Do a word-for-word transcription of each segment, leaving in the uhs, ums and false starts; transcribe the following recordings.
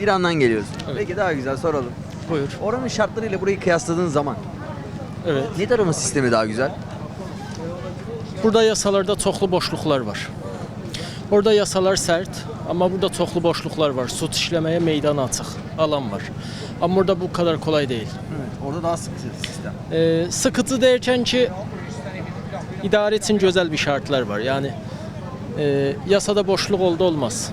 İran'dan geliyorsun. Evet. Peki daha güzel soralım. Buyur. Oranın şartlarıyla burayı kıyasladığın zaman Evet. ne tarafın sistemi daha güzel? Burada yasalarda çoxlu boşluqlar var. Orada yasalar sərt, amma burada çoxlu boşluqlar var. Sud işləməyə meydan açıq, alan var. Amma burada bu kadar kolay değil. Evet, orada daha sıkı sistem. Ee, sıkıntı derken ki idare için güzel bir şartlar var. Yani e, yasada boşluk oldu olmaz.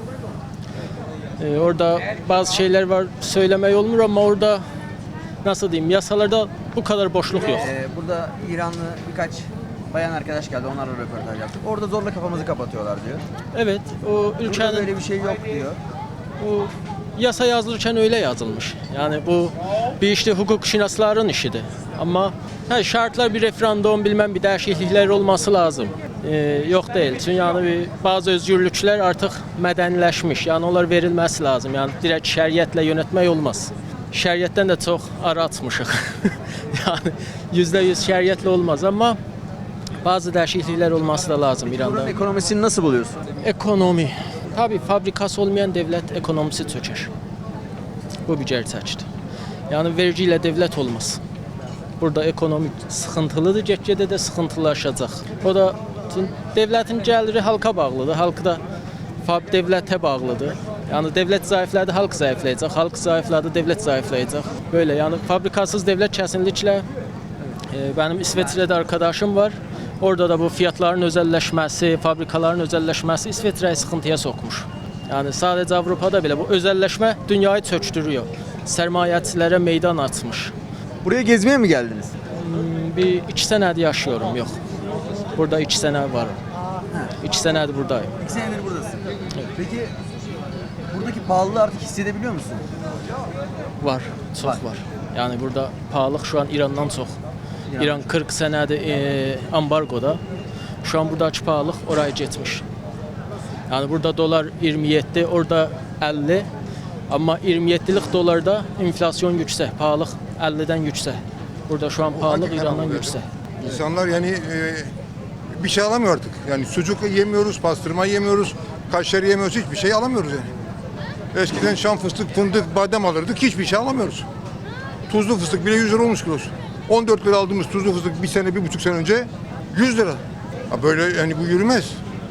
Ee, orada bazı şeyler var söylemeyi olmuyor ama orada nasıl diyeyim yasalarda bu kadar boşluk yok. Ee, burada İranlı birkaç bayan arkadaş geldi, onlarla röportaj yaptık. Orada zorla kafamızı kapatıyorlar diyor. Evet, o Burada ülkenin böyle bir şey yok diyor. bu yasa yazılırken öyle yazılmış. Yani bu bir işte hukuk şinasların işidir. Ama he, şartlar bir referandum bilmem bir değişiklikler olması lazım. Ee, yok değil. Çünkü yani bir, bazı özgürlükler artık medenileşmiş. Yani onlar verilmesi lazım. Yani direkt şeriatla yönetmek olmaz. Şeriattan da çok ara atmışıq. Yani yüzde yüz şeriatla olmaz ama bazı değişiklikler olması da lazım İran'da. Buranın ekonomisini nasıl buluyorsun? Ekonomi. Tabii fabrikası olmayan devlet ekonomisi çöker. Bu bir gerçektir. Yani vergiyle devlet olmaz. Burada ekonomi sıkıntılıdır, getgədə də sıkıntılaşacaq. O da devletin gəliri halka bağlıdır, halk da devlete bağlıdır. Yani devlet zayıfladı, halk zayıflayacaq, halk zayıfladı, devlet zayıflayacaq. Böyle yani fabrikasız devlet kesinlikle e, benim İsveçre'de arkadaşım var. Orada da bu fiyatların özelleşmesi, fabrikaların özelleşmesi İsveçre'yi sıkıntıya sokmuş. Yani sadece Avrupa'da bile bu özelleşme dünyayı çöktürüyor. Sermayecilərə meydan açmış. Buraya gezmeye mi geldiniz? Hmm, Bir iki senedir yaşıyorum, yok. Burada iki sene varım. İki senedir buradayım. İki senedir buradasın. Peki buradaki pahalılığı artık hissedebiliyor musun? Var, çok Var. var. Yani burada pahalılık şu an İran'dan çok. İran İran kırk senedir e, ambargoda. Şu an buradaki pahalılık oraya geçmiş. Yani burada dolar iyirmi yedi, orada elli. Ama iyirmi yedilik dolarda enflasyon yüksek, pahalılık elliden yüksek. Burada şu an pahalılık hakikaten İran'dan oluyor. yüksek. İnsanlar yani e, bir şey alamıyor artık. Yani sucuk yemiyoruz, pastırma yemiyoruz, kaşarı yemiyoruz, hiçbir şey alamıyoruz yani. Eskiden şam fıstık, fındık, badem alırdık, hiçbir şey alamıyoruz. Tuzlu fıstık bile yüz lira olmuş kilosu. on dört lira aldığımız tuzlu fıstık bir sene, bir buçuk sene önce yüz lira. Ha böyle yani bu yürümez.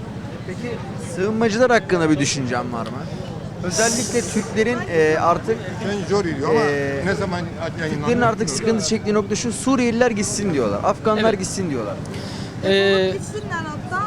Peki sığınmacılar hakkında bir düşüncen var mı? Özellikle Türklerin e, artık Ben zor yürüyor ama Ee, ne zaman yayınlanıyor? Türklerin artık sıkıntı çektiği nokta şu: Suriyeliler gitsin diyorlar, Afganlar Evet. gitsin diyorlar. Ee, Gitsinler hatta.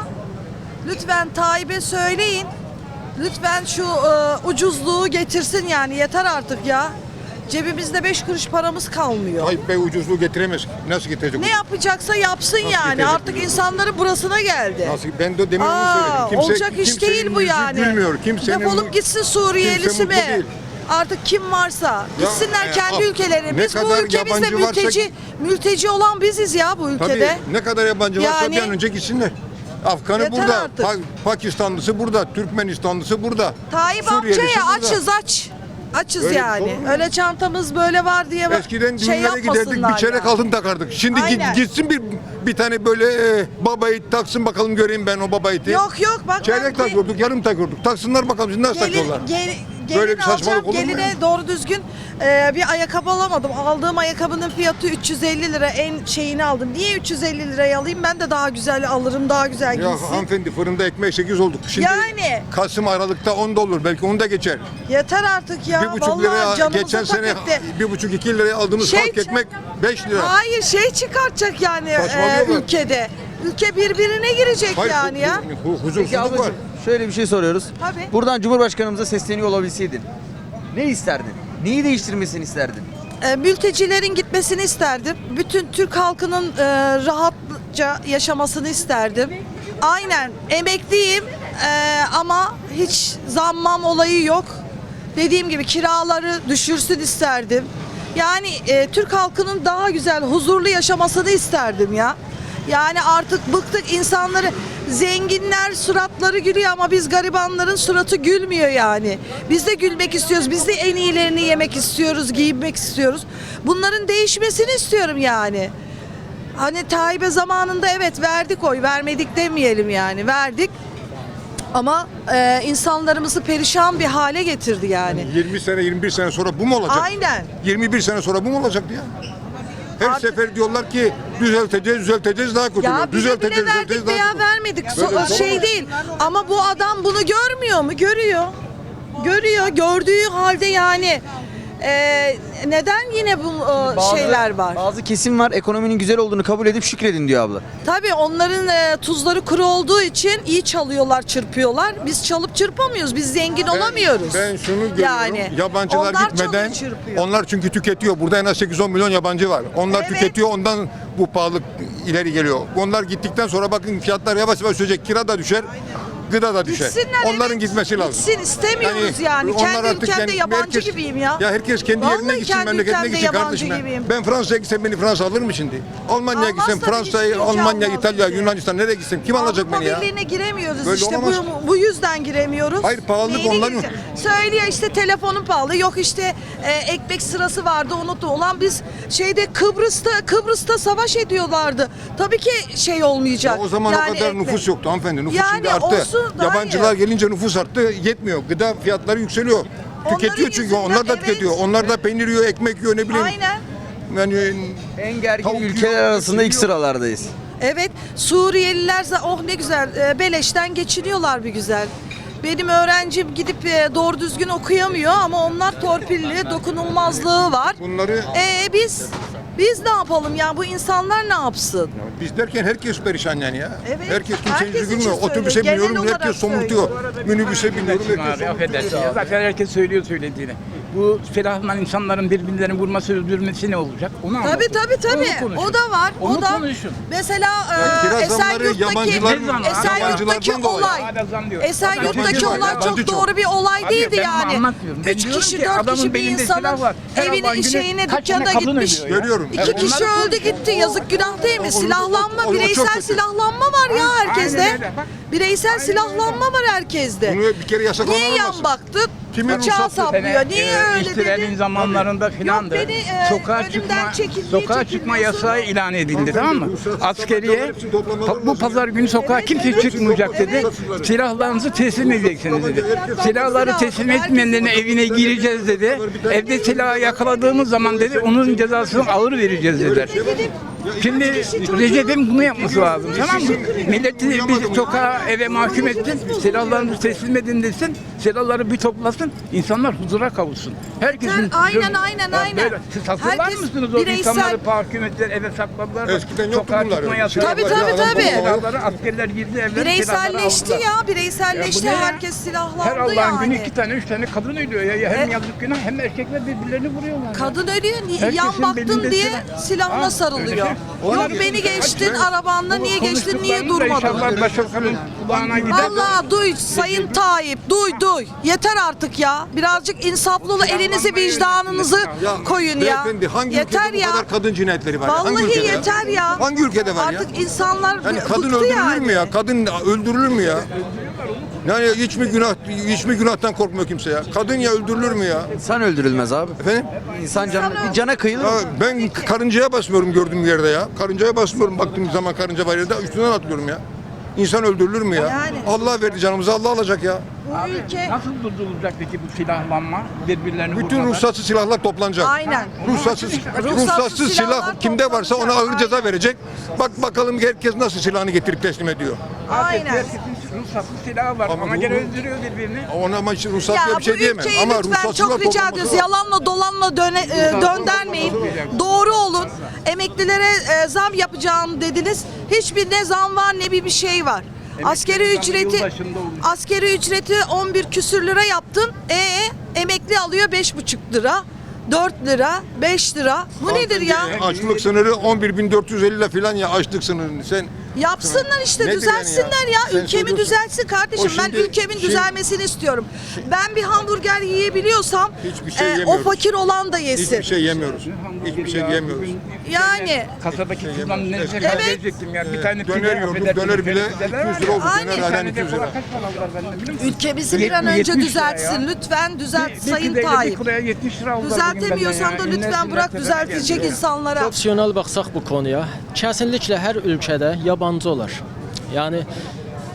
Lütfen Tayyip'e söyleyin. Lütfen şu e, ucuzluğu getirsin yani yeter artık ya. Cebimizde beş kuruş paramız kalmıyor. Tayyip Bey ucuzluğu getiremez. Nasıl getirecek? Ne yapacaksa yapsın Nasıl yani. getirecek Artık ucuzluğu? insanların burasına geldi. Nasıl? Ben de demin onu Aa, söyledim. Kimse, olacak iş kimsenin değil bu yüzü yani. Gülmüyor. Kimsenin Defolup gitsin Suriyelisi kimse mutlu mi? değil. Artık kim varsa gitsinler e, kendi af- ülkelerine. ne Biz bu kadar ülkemizde yabancı varsa- mülteci mülteci olan biziz ya bu Tabii ülkede. ne kadar yabancı varsa Yani- bir an önce gitsinler. Afganı Yeter burada, artık. Pa- Pakistanlısı burada, Türkmenistanlısı burada. Tayyip Suriyelisi amcaya burada. açız aç. Açız Öyle yani. olur mu? Öyle çantamız böyle var diye Eskiden şey düğünlere giderdik, yapmasınlar bir çeyrek yani. altın takardık. Şimdi git, Aynen. gitsin bir bir tane böyle e, baba it taksın bakalım göreyim ben o baba iti. Yok yok bak Çeyrek ben takıyorduk, yarım takıyorduk. Taksınlar bakalım şimdi nasıl gelin, takıyorlar. gel, gelin Böyle bir saçmalık alacağım. olur mu Geline ya? doğru düzgün e, bir ayakkabı alamadım. Aldığım ayakkabının fiyatı üç yüz elli lira, en şeyini aldım. Niye üç yüz elli liraya alayım? Ben de daha güzel alırım, daha güzel Ya giysin. hanımefendi fırında ekmek sekiz olduk. Şimdi Yani. Kasım Aralık'ta on da olur belki onu da geçer. Yeter artık ya. bir buçuk Vallahi liraya canımıza geçen tak sene etti. bir buçuk iki liraya aldığımız Şey- halk ekmek beş lira. Hayır şey çıkartacak yani e, Saçmalıyorlar. ülkede. Ülke birbirine girecek Hayır, yani ya. hu- hu- Peki huzursuzluk var. ablacığım şöyle bir şey soruyoruz. Tabii. Buradan Cumhurbaşkanımıza sesleniyor olabilseydin ne isterdin? Neyi değiştirmesini isterdin? E, mültecilerin gitmesini isterdim. Bütün Türk halkının e, rahatça yaşamasını isterdim. Aynen emekliyim e, ama hiç zammam olayı yok. Dediğim gibi kiraları düşürsün isterdim. Yani e, Türk halkının daha güzel, huzurlu yaşamasını isterdim ya. Yani artık bıktık insanları, zenginler suratları gülüyor ama biz garibanların suratı gülmüyor yani. Biz de gülmek istiyoruz, biz de en iyilerini yemek istiyoruz, giyinmek istiyoruz. Bunların değişmesini istiyorum yani. Hani Tayyip'e zamanında evet verdik oy, vermedik demeyelim yani, verdik. Ama e, insanlarımızı perişan bir hale getirdi yani. yirmi sene yirmi bir sene sonra bu mu olacak? Aynen. yirmi bir sene sonra bu mu olacaktı ya? Her Artık- sefer diyorlar ki düzelteceğiz, düzelteceğiz daha kötü. Ya oluyor. bize Düzelteceğiz, bile verdik düzelteceğiz veya daha kötü. vermedik. So- Böyle bir şey şey değil. Ama bu adam bunu görmüyor mu? Görüyor. Görüyor. Gördüğü halde yani e, neden yine bu e, Bazı- şeyler var? Bazı kesim var ekonominin güzel olduğunu kabul edip şükredin diyor abla. Tabii onların e, tuzları kuru olduğu için iyi çalıyorlar, çırpıyorlar. Biz çalıp çırpamıyoruz. Biz zengin olamıyoruz. Ben şunu görüyorum. Yani, Yabancılar onlar gitmeden çalıyor, çırpıyor. onlar çünkü tüketiyor. Burada en az sekiz on milyon yabancı var. Onlar Evet. tüketiyor. Ondan bu pahalılık ileri geliyor. Onlar gittikten sonra bakın fiyatlar yavaş yavaş düşecek. Kira da düşer. Gıda da düşer. Gitsinler, Onların evet. gitmesi lazım. Gitsin, istemiyoruz yani. onlar Kendi artık ülkemde yani yabancı herkes- gibiyim ya. Ya herkes kendi Vallahi yerine gitsin, kendi memleketine ülkemde gitsin yabancı kardeşim. Ben, gibiyim. ben Fransa'ya gitsem beni Fransa alır mı şimdi? Almanya'ya Almaz gitsem, tabii, Fransa'ya, hiç kimse Almanya, almaz İtalya, bizi. Yunanistan nereye gitsem kim alacak Avrupa beni ya? Birliği'ne giremiyoruz Böyle işte olamaz. bu, bu yüzden giremiyoruz. Hayır, pahalılık Neyine onların- gireceğiz? Söylüyor işte telefonun pahalı, yok işte e, ekmek sırası vardı unuttum. Ulan biz şeyde Kıbrıs'ta Kıbrıs'ta savaş ediyorlardı. Tabii ki şey olmayacak. Ya o zaman Yani o kadar ekmek. nüfus yoktu hanımefendi. Nüfus Yani şimdi arttı. olsun, daha Yabancılar iyi. gelince nüfus arttı. Yetmiyor. Gıda fiyatları yükseliyor. Onların Tüketiyor çünkü yüzünden, onlar da evet. tüketiyor. Onlar da peynir yiyor, ekmek yiyor ne bileyim. Aynen. Yani En gergin Tavuk ülkeler yiyor, arasında ilk yiyor. sıralardayız. Evet, Suriyeliler za- oh ne güzel e, beleşten geçiniyorlar bir güzel. Benim öğrencim gidip e, doğru düzgün okuyamıyor ama onlar torpilli, dokunulmazlığı var. bunları E biz biz ne yapalım ya, bu insanlar ne yapsın? biz derken herkes perişan yani ya. Evet, Herkes kimse herkes yüzü için gülmüyor. Otobüse söylüyor, genel biniyorum olarak herkes somurtuyor. Minibüse biniyorum Kardeşim herkes abi affedersin. somurtuyor. Zaten herkes söylüyor söylediğini. Bu silahla insanların birbirlerini vurması, öldürmesi ne olacak? Onu Tabii anlatın. tabii tabii. Onu konuşun. O da var. Onu o da. konuşun. Mesela Ya e, kiraz zamları Esenyurt'taki yabancılar- Esenyurt'taki yabancılardan dolayı. olay. Hala zam diyor. Esenyurt'taki Yabancı var, olay yabancı çok çok. doğru bir olay Abi değildi ben bunu yani. anlatmıyorum. Ben Üç diyorum kişi, ki dört adamın kişi bir belinde insanın silah var. Her Allah'ın evine, günü şeyine, kaç tane dükkanına kadın gitmiş. ölüyor ya? Görüyorum. İki Evet, kişi onları öldü gitti. Yazık günah değil mi? O- o- Silahlanma, o- o çok bireysel kötü. silahlanma var ya Aynen herkeste. öyle, bak. Bireysel silahlanma var herkeste. Bunu bir kere yasaklaman Niye yan lazım. baktı? Kimin Bıçağı ruhsatı? saplıyor. Niye e, öyle İhtilalin dedi? zamanlarında filandı. beni, e, sokağa önümden çıkma, çekildiği sokağa çekilmiyor çıkma sonra- yasağı ilan edildi, tamam mı? ruhsat- Askeriye hepsini toplamaları pa- bu lazım. pazar günü sokağa Evet, kimse evet. çıkmayacak dedi. Evet. Silahlarınızı teslim edeceksiniz dedi. Herkes- Silahları teslim etmeyenlerin evine gireceğiz dedi. Evde silahı yakaladığımız zaman dedi onun cezasını ağır vereceğiz dediler. Şimdi Recep'in bunu yapması lazım, tamam mı? Milleti bir sokağa, eve mahkum etsin, silahlarınızı teslim edin desin, silahları bir toplasın, insanlar huzura kavuşsun. Herkesin... Aynen, aynen, Ya aynen. böyle, siz hatırlar Herkes mısınız o bireysel- insanları mahkum ettiler, eve sakladılar. Eskiden yoktu sokağa bunlar çıkma öyle. yasağı. Tabii, Silahlar tabii, falan tabii. olmadı. Silahları askerler girdi evlere, Bireyselleşti silahları aldılar. ya, bireyselleşti. Ya bu ne ya? Herkes silahlandı Her Allah'ın yani. günü iki tane, üç tane kadın ölüyor ya. ya hem E- yazık günah hem erkekler birbirlerini vuruyorlar. ya. Kadın ölüyor, ni- Herkesin yan baktın belinde diye silah. silahına Ha, sarılıyor. öyle şey. Yok Ona beni geçin. geçtin Hadi. arabanla, niye geçtin, niye Konuştuklarınız da durmadın? İnşallah başbakanın kulağına gider. Allah duy Sayın Tayyip, duy duy. Yeter artık ya. Birazcık insaflı elinizi vicdanınızı koyun ya. Beyefendi, hangi Yeter ülkede ya. bu kadar kadın cinayetleri var? ya? Hangi Vallahi ülkede ya? yeter ya. Hangi ülkede var ya? Artık insanlar Yani kadın bıktı öldürülür yani. mü ya? Kadın öldürülür mü ya? Yani hiç mi günah hiç mi günahtan korkmuyor kimse ya? Kadın ya öldürülür mü ya? İnsan öldürülmez abi. Efendim? İnsan canı, bir cana kıyılır. Ya ben karıncaya basmıyorum gördüğüm yerde ya. Karıncaya basmıyorum baktığım zaman karınca var yerde üstünden atlıyorum ya. İnsan öldürülür mü ya? Yani. Allah verdi canımızı Allah alacak ya. Bu ülke Nasıl durdurulacak peki bu silahlanma? Birbirlerini Bütün vurmalar? ruhsatsız silahlar toplanacak. aynen. Ruhsatsız, Ruhsatsız ruhsatsız silah silahlar kimde varsa ona ağır toplanacak. ceza verecek. Bak bakalım herkes nasıl silahını getirip teslim ediyor. Aynen. Herkesin ruhsatsız silahı var Ama ama, bu- gene öldürüyor birbirini. Ona ama hiç ruhsat Ya diye bir şey bu diyemem. ülkeyi Ama lütfen ruhsatsızlar çok rica toplanması ediyoruz. lazım. Yalanla dolanla döne, e, döndermeyin. Doğru olun. Emeklilere e, zam yapacağım dediniz. Hiçbir ne zam var ne bir bir şey var. Askeri zammı ücreti yılbaşında olacak. askeri ücreti on bir küsür lira yaptın. E emekli alıyor beş buçuk lira. dört lira, beş lira. Bu nedir ya? Açlık sınırı on bir bin dört yüz elli lira falan ya açlık sınırını sen Yapsınlar işte, Nedir düzelsinler yani ya. ya? Sen Ülkemi söylüyorsun. düzelsin kardeşim. O Ben şimdi- ülkemin şimdi- düzelmesini istiyorum. Ben bir hamburger yiyebiliyorsam Hiçbir şey e, o yemiyoruz. fakir olan da yesin. hiçbir şey yemiyoruz. Hiçbir şey Ya, yemiyoruz. bugün Yani. Kasadaki kızdan ne Evet. kadar verecektim ya. Bir tane Döner pide, yiyorduk, affedersiniz, döner bile pideler iki yüz lira oldu. Aynen. Döner Bir halen tane iki yüz dekola lira. kaç para aldılar bende biliyor musun? Ülkemizi bir an önce yetmiş lira düzeltsin. ya. Lütfen düzelt Bir- Sayın bir pideyle Tayyip. Bir kuraya yetmiş lira aldılar bugün Düzeltemiyorsan da benden ya. lütfen İnler bırak tepeme düzeltecek geldi ya. insanlara. Profesional baxsaq bu konuya, kəsinliklə hər ölkədə yabancı olar. Yəni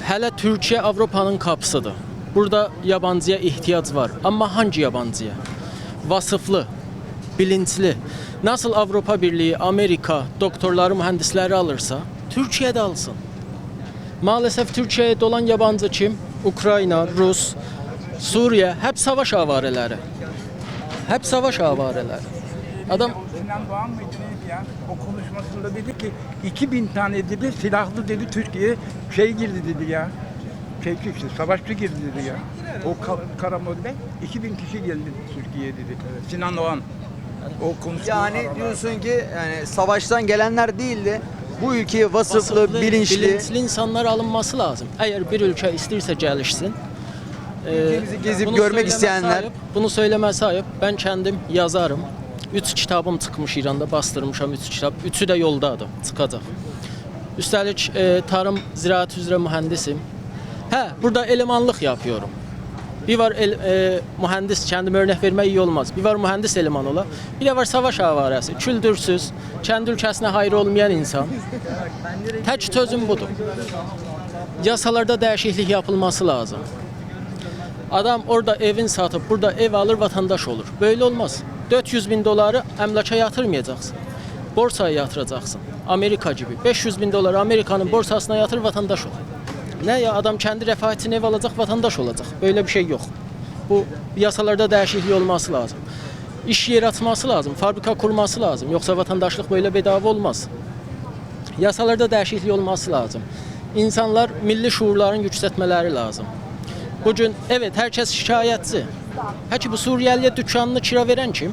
Hələ Türkiyə Avropanın qapısıdır. Burada yabancıya ehtiyac var. Amma hangi yabancıya? Vasıflı, bilinçli. Nasıl Avropa Birliği, Amerika doktorları, mühendisleri alırsa Türkiye'de alsın. Maalesef Türkiye'ye dolan yabancı kim? Ukrayna, Rus, Suriye, hep savaş avareleri. Hep savaş avareleri. Adam Sinan Doğan mıydı neydi ya? O konuşmasında dedi ki iki bin tane dedi silahlı dedi Türkiye'ye şey girdi dedi ya. Şey işte savaşçı girdi dedi ya. O ka- Karamol'de iki bin kişi geldi Türkiye'ye dedi. Sinan Doğan. O konuşma Yani diyorsun ki yani savaştan gelenler değil de bu ülkeye vasıflı, vasıflı, bilinçli, bilinçli insanlar alınması lazım. Eğer bir ülke isterse gelişsin, e, Ülkemizi gezip bunu görmek söyleme isteyenler- sahip, bunu söyleme sahip. Ben kendim yazarım. Üç kitabım çıkmış İran'da, bastırmışam üç kitap. Üçü də yoldadır, çıxacaq. Üstəlik e, tarım, ziraat üzrə mühəndisim. Hə, burada elemanlıq yapıyorum. Bir var el, e, mühendis, kendime örnek vermek iyi olmaz. Bir var mühendis eleman ola. Bir de var savaş avarası, küldürsüz, kendi ülkesine hayır olmayan insan. Tek çözüm budur. Yasalarda değişiklik yapılması lazım. Adam orada evin satıp burada ev alır, vatandaş olur. Böyle olmaz. dört yüz bin doları emlaka yatırmayacaksın. Borsaya yatıracaksın. Amerika gibi. beş yüz bin doları Amerika'nın borsasına yatır, vatandaş ol. Ne ya, adam kendi refah için ev alacak, vatandaş olacak. Böyle bir şey yok. Bu yasalarda değişiklik olması lazım. İş yeri atması lazım, fabrika kurması lazım. Yoksa vatandaşlık böyle bedava olmaz. Yasalarda değişiklik olması lazım. İnsanlar milli şuurların yükseltmeleri lazım. Bugün evet herkes şikayetçi. Peki bu Suriyeliye dükkanını kira veren kim?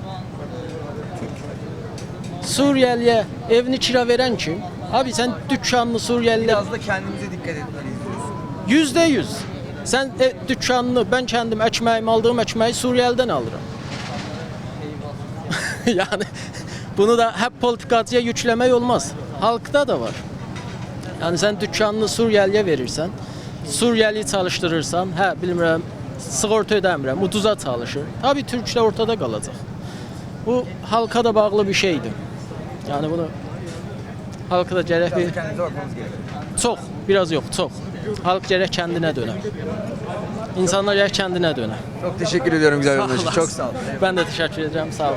Suriyeliye evini kira veren kim? Abi sen dükkanını Suriyeliye biraz da kendimize dikkat etmeliyiz. yüzde yüz. Sen e, dükkanını, ben kendim ekmeğimi aldığım ekmeği Suriyeliden alırım. Yani bunu da hep politikacıya yüklemek olmaz. Halkta da var. Yani sen dükkanını Suriyeliye verirsen, Suriyeli çalıştırırsan, hə bilmirəm, sığorta ödəmirəm, uduza çalışır. Tabii Türklər ortada qalacaq. Bu halka da bağlı bir şeydir. Yani bunu halka da gərək bir... Çox, biraz yok, çok. Halk gərək kendine dönər. İnsanlar gərək kendine dönər. Çok teşekkür ediyorum güzel Sağ yoldaşı. olasın. Çok sağ ol. Ben de teşekkür ederim. Sağ ol.